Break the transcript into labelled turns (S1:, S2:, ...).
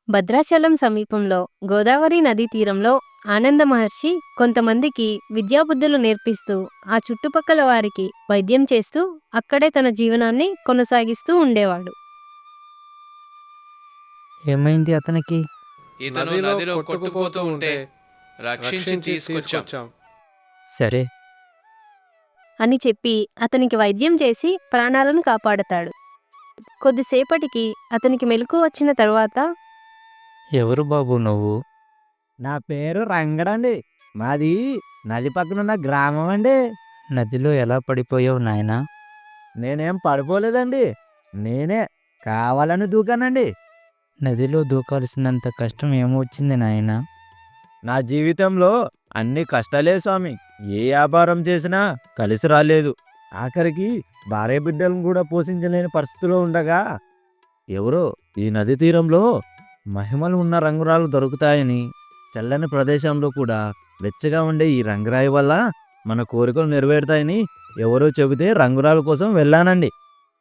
S1: భద్రాచలం సమీపంలో గోదావరి నదీ తీరంలో ఆనంద మహర్షి కొంతమందికి విద్యాబుద్ధులు నేర్పిస్తూ ఆ చుట్టుపక్కల వారికి వైద్యం చేస్తూ అక్కడే తన జీవనాన్ని కొనసాగిస్తూ ఉండేవాడు.
S2: ఏమైంది అతనికి?
S3: ఇతను నదిలో కొట్టుకుపోతూ ఉంటే రక్షించి తీసుకొచ్చాం.
S2: సరే,
S1: అని చెప్పి అతనికి వైద్యం చేసి ప్రాణాలను కాపాడతాడు. కొద్దిసేపటికి అతనికి మెలకువ వచ్చిన తర్వాత,
S2: ఎవరు బాబు నువ్వు?
S4: నా పేరు రంగడండి. మాది నది పక్కనున్న గ్రామం అండి.
S2: నదిలో ఎలా పడిపోయావు నాయనా?
S4: నేనేం పడిపోలేదండి. నేనే కావాలని దూకానండి.
S2: నదిలో దూకాల్సినంత కష్టం ఏమొచ్చింది నాయనా?
S4: నా జీవితంలో అన్ని కష్టాలే స్వామి. ఏ వ్యాపారం చేసినా కలిసి రాలేదు. ఆఖరికి భార్య బిడ్డలను కూడా పోషించలేని పరిస్థితిలో ఉండగా ఎవరో ఈ నది తీరంలో మహిమలు ఉన్న రంగురాలు దొరుకుతాయని, చల్లని ప్రదేశంలో కూడా వెచ్చగా ఉండే ఈ రంగురాయి వల్ల మన కోరికలు నెరవేరుతాయని ఎవరో చెబితే రంగురాల కోసం వెళ్ళానండి.